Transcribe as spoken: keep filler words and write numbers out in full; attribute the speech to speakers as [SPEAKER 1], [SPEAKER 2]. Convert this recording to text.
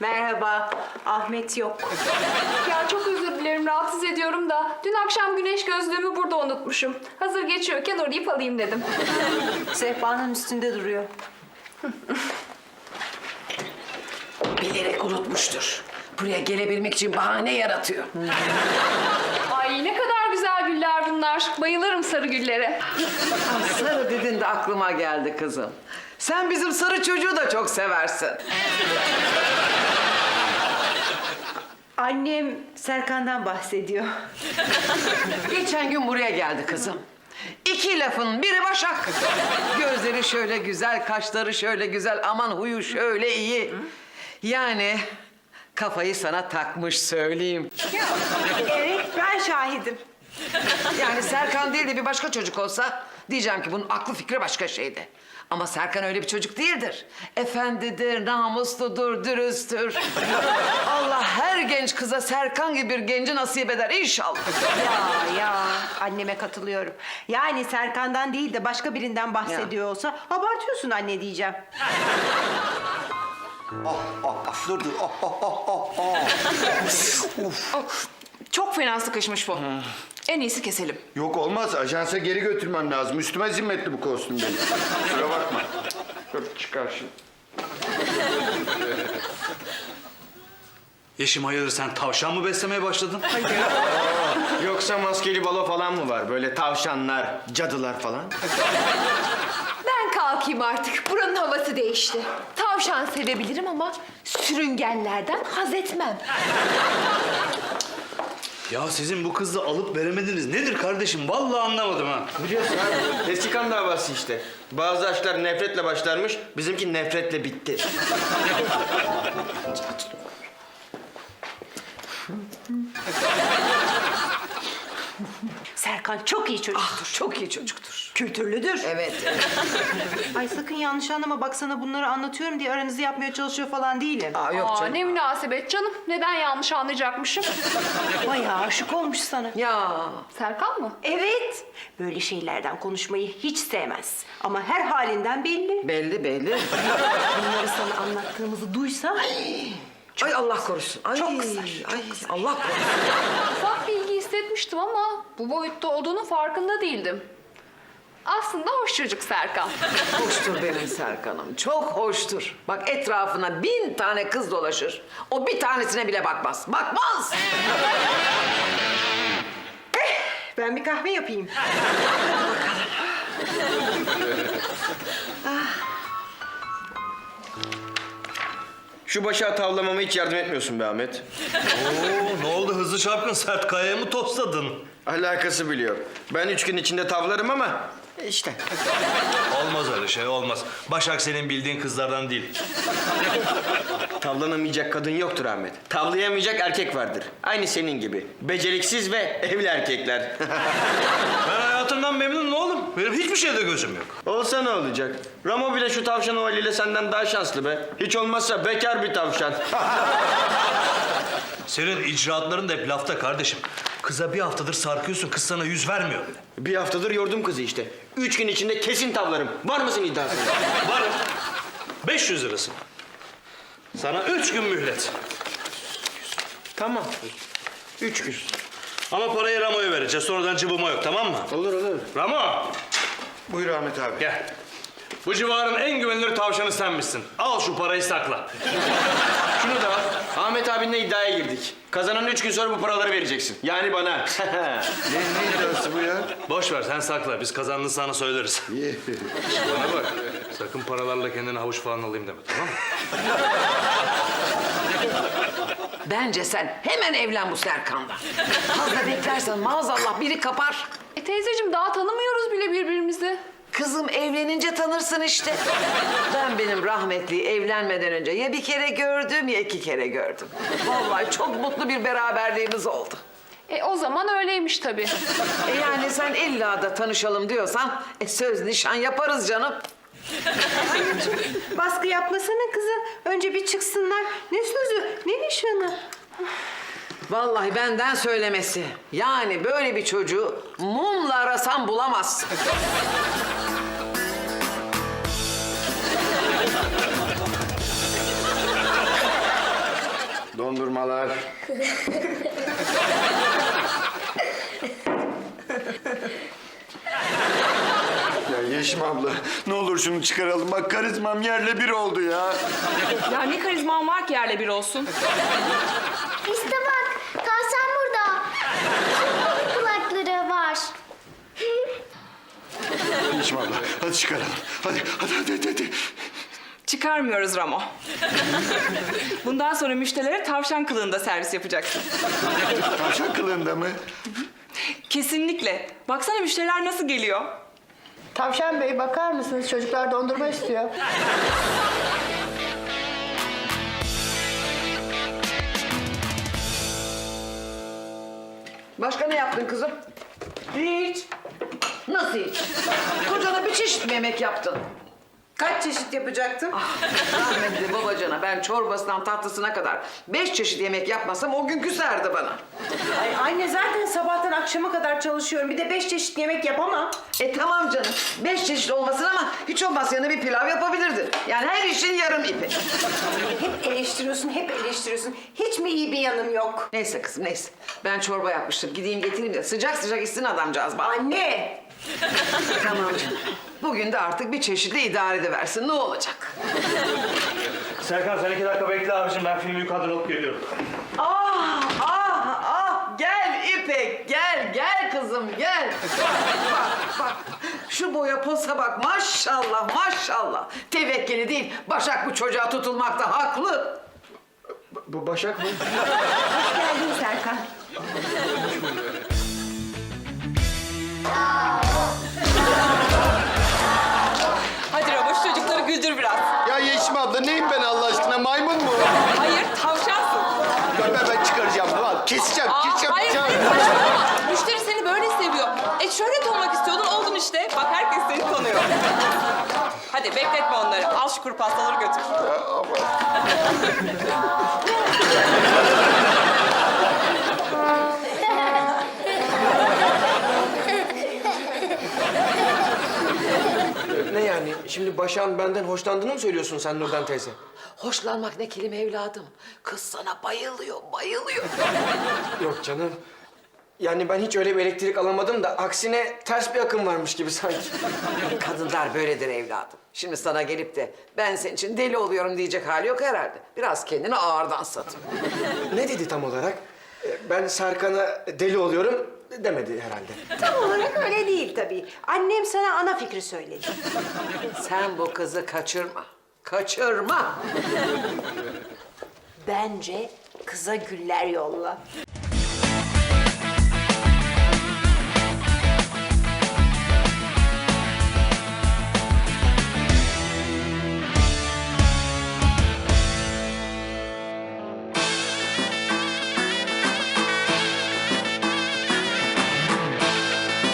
[SPEAKER 1] Merhaba. Ahmet yok.
[SPEAKER 2] Ya çok özür dilerim, rahatsız ediyorum da dün akşam güneş gözlüğümü burada unutmuşum. Hazır geçiyorken uğrayıp alayım dedim.
[SPEAKER 1] Sehpanın üstünde duruyor.
[SPEAKER 3] Bilerek unutmuştur. Buraya gelebilmek için bahane yaratıyor.
[SPEAKER 2] Ay ne kadar güzel güller bunlar. Bayılırım sarı güllere.
[SPEAKER 3] Ah, sarı dedin de aklıma geldi kızım. Sen bizim sarı çocuğu da çok seversin.
[SPEAKER 1] Annem Serkan'dan bahsediyor.
[SPEAKER 3] Geçen gün buraya geldi kızım. İki lafın biri Başak. Gözleri şöyle güzel, kaşları şöyle güzel, aman huyu şöyle iyi. Yani kafayı sana takmış söyleyeyim.
[SPEAKER 1] Evet, ben şahidim.
[SPEAKER 3] Yani Serkan değil de bir başka çocuk olsa diyeceğim ki bunun aklı fikri başka şeydi. Ama Serkan öyle bir çocuk değildir. Efendidir, namusludur, dürüsttür. Allah her genç kıza Serkan gibi bir genci nasip eder inşallah.
[SPEAKER 1] Ya ya, anneme katılıyorum. Yani Serkan'dan değil de başka birinden bahsediyor olsa abartıyorsun anne diyeceğim.
[SPEAKER 4] Oh, oh, oh, dur dur. Oh, oh, oh, oh, oh.
[SPEAKER 5] Çok fena sıkışmış bu. En iyisi keselim.
[SPEAKER 4] Yok olmaz. Ajansa geri götürmem lazım. Üstüme zimmetli bu kostüm benim. Kusura bakma. Dur çıkar şimdi.
[SPEAKER 6] Yeşim hayırdır sen tavşan mı beslemeye başladın?
[SPEAKER 7] Yoksa maskeli balo falan mı var? Böyle tavşanlar, cadılar falan.
[SPEAKER 8] Ben kalkayım artık. Buranın havası değişti. Tavşan sevebilirim ama sürüngenlerden haz etmem.
[SPEAKER 6] Ya sizin bu kızla alıp veremediniz nedir kardeşim? Vallahi anlamadım ha.
[SPEAKER 7] Biliyorsun abi, eski kan davası işte. Bazı aşklar nefretle başlarmış, bizimki nefretle bitti.
[SPEAKER 1] Serkan çok iyi çocuktur.
[SPEAKER 3] Ah, çok iyi çocuktur.
[SPEAKER 1] Kültürlüdür.
[SPEAKER 3] Evet, evet.
[SPEAKER 1] Ay sakın yanlış anlama, bak sana bunları anlatıyorum diye aranızı yapmaya çalışıyor falan değilim.
[SPEAKER 3] Aa, yok
[SPEAKER 2] Aa,
[SPEAKER 3] canım.
[SPEAKER 2] ne münasebet canım. Neden yanlış anlayacakmışım?
[SPEAKER 1] Bayağı aşık olmuş sana.
[SPEAKER 3] Ya
[SPEAKER 2] Serkan mı?
[SPEAKER 1] Evet, böyle şeylerden konuşmayı hiç sevmez. Ama her halinden belli.
[SPEAKER 3] belli belli.
[SPEAKER 1] Bunları sana anlattığımızı duysa...
[SPEAKER 3] Ay Allah korusun. Ay,
[SPEAKER 1] Çok kızar,
[SPEAKER 3] ay, Allah korusun.
[SPEAKER 2] Ufak bilgi hissetmiştim ama bu boyutta olduğunun farkında değildim. Aslında hoş çocuk Serkan.
[SPEAKER 3] Hoştur benim Serkan'ım. Çok hoştur. Bak etrafına bin tane kız dolaşır. O bir tanesine bile bakmaz. Bakmaz.
[SPEAKER 1] Ben bir kahve yapayım.
[SPEAKER 7] Şu başa tavlamama hiç yardım etmiyorsun be Ahmet.
[SPEAKER 6] Oo, ne oldu hızlı çarpkın sert kayaya mı tostladın?
[SPEAKER 7] Alakası biliyor. Ben üç gün içinde tavlarım ama işte.
[SPEAKER 6] Olmaz öyle şey olmaz. Başak senin bildiğin kızlardan değil.
[SPEAKER 7] Tavlanamayacak kadın yoktur Ahmet. Tavlayamayacak erkek vardır. Aynı senin gibi. Beceriksiz ve evli erkekler.
[SPEAKER 6] Ben hayatımdan memnunum oğlum. Benim hiçbir şeyde gözüm yok.
[SPEAKER 7] Olsa ne olacak? Ramo bile şu tavşan ovaliyle senden daha şanslı be. Hiç olmazsa bekar bir tavşan.
[SPEAKER 6] Senin icraatların da hep lafta kardeşim. Kıza bir haftadır sarkıyorsun, kız sana yüz vermiyor bile.
[SPEAKER 7] Bir haftadır yordum kızı işte. Üç gün içinde kesin tavlarım. Var mısın iddiasına?
[SPEAKER 6] Varım. beş yüz lirası. Sana üç gün mühlet.
[SPEAKER 7] Tamam. Üç gün.
[SPEAKER 6] Ama parayı Ramo'ya vereceğiz. Sonradan cıbıma yok, tamam mı?
[SPEAKER 7] Olur olur.
[SPEAKER 6] Ramo,
[SPEAKER 4] Buyur Ahmet abi.
[SPEAKER 6] gel. Bu civarın en güvenilir tavşanı senmişsin. Al şu parayı sakla.
[SPEAKER 7] Şunu da al. Ahmet abinle iddiaya girdik. Kazanan üç gün sonra bu paraları vereceksin. Yani bana.
[SPEAKER 4] Ne, ne iddiası bu ya?
[SPEAKER 6] Boş ver, sen sakla. Biz kazandığını sana söyleriz. Bana bak, sakın paralarla kendine havuç falan alayım deme, tamam mı?
[SPEAKER 3] Bence sen hemen evlen bu Serkan'la. Fazla beklersen maazallah biri kapar.
[SPEAKER 2] E teyzeciğim daha tanımıyoruz bile birbirimizi.
[SPEAKER 3] Kızım evlenince tanırsın işte. Ben benim rahmetliyi evlenmeden önce ya bir kere gördüm ya iki kere gördüm. Vallahi çok mutlu bir beraberliğimiz oldu.
[SPEAKER 2] E o zaman öyleymiş tabii.
[SPEAKER 3] E yani sen illa da tanışalım diyorsan e söz nişan yaparız canım.
[SPEAKER 1] Baskı yapmasana kızı. Önce bir çıksınlar. Ne sözü, ne nişanı?
[SPEAKER 3] Vallahi benden söylemesi. Yani böyle bir çocuğu mumla arasan bulamazsın.
[SPEAKER 4] çalışmalar. Ya Yeşim abla, ne olur şunu çıkaralım. Bak karizmam yerle bir oldu ya.
[SPEAKER 5] Ya ne karizman var ki yerle bir olsun?
[SPEAKER 9] İşte bak, tavşan burada. Çok kulakları var.
[SPEAKER 4] Yeşim abla, hadi çıkaralım. Hadi, hadi, hadi, hadi. hadi.
[SPEAKER 5] Çıkarmıyoruz Ramo. Bundan sonra müşterilere tavşan kılığında servis yapacaksın.
[SPEAKER 4] Tavşan kılığında mı?
[SPEAKER 5] Kesinlikle. Baksana müşteriler nasıl geliyor.
[SPEAKER 1] Tavşan Bey bakar mısınız? Çocuklar dondurma istiyor.
[SPEAKER 3] Başka ne yaptın kızım? Hiç. Nasıl hiç? Kocana bir çeşit mi yemek yaptın?
[SPEAKER 1] Kaç çeşit yapacaktım?
[SPEAKER 3] Rahmetli babacana ben çorbasından tatlısına kadar beş çeşit yemek yapmasam o gün küserdi bana.
[SPEAKER 1] Ay anne zaten sabahtan akşama kadar çalışıyorum. Bir de beş çeşit yemek yapamam.
[SPEAKER 3] E tamam canım. Beş çeşit olmasın ama hiç olmazsa yanına bir pilav yapabilirdin. Yani her işin yarım ipi.
[SPEAKER 1] Hep eleştiriyorsun, hep eleştiriyorsun. Hiç mi iyi bir yanım yok?
[SPEAKER 3] Neyse kızım neyse. Ben çorba yapmıştım. Gideyim getireyim de sıcak sıcak içsin adamcağız bana.
[SPEAKER 1] Anne!
[SPEAKER 3] Tamam canım. Bugün de artık bir çeşitle idare ediversin. Ne olacak?
[SPEAKER 6] Serkan sen iki dakika bekle abicim. Ben filmi yukarıdan alıp geliyorum.
[SPEAKER 3] Ah ah ah gel İpek gel gel kızım gel. Bak bak şu boya posa bak maşallah maşallah. Tevekkeli değil Başak bu çocuğa tutulmakta haklı.
[SPEAKER 7] Bu Başak mı?
[SPEAKER 1] Hoş geldin Serkan.
[SPEAKER 5] Hadi Ramo şu çocukları güldür biraz.
[SPEAKER 4] Ya Yeşim abla neyim ben Allah aşkına? Maymun mu?
[SPEAKER 5] Hayır tavşansın.
[SPEAKER 4] Ben, ben, ben çıkaracağım. Al, keseceğim,
[SPEAKER 5] Aa,
[SPEAKER 4] keseceğim.
[SPEAKER 5] hayır hayır saçmalama. Müşteri seni böyle seviyor. E şöhret olmak istiyordun oldun işte. Bak herkes seni tanıyor. Hadi bekletme onları. Al şu kuru pastaları götür.
[SPEAKER 7] Ne yani? Şimdi Başak'ın benden hoşlandığını mı söylüyorsun sen Nurdan teyze?
[SPEAKER 3] Hoşlanmak ne kelime evladım. Kız sana bayılıyor bayılıyor.
[SPEAKER 7] Yok canım. Yani ben hiç öyle bir elektrik alamadım da aksine ters bir akım varmış gibi sanki.
[SPEAKER 3] Kadınlar böyledir evladım. Şimdi sana gelip de ben senin için deli oluyorum diyecek hali yok herhalde. Biraz kendini ağırdan satın.
[SPEAKER 7] Ne dedi tam olarak? Ee, Ben Serkan'a deli oluyorum demedi herhalde.
[SPEAKER 1] Tam olarak öyle değil tabii. Annem sana ana fikri söyledi.
[SPEAKER 3] Sen bu kızı kaçırma. Kaçırma.
[SPEAKER 1] Bence kıza güller yolla.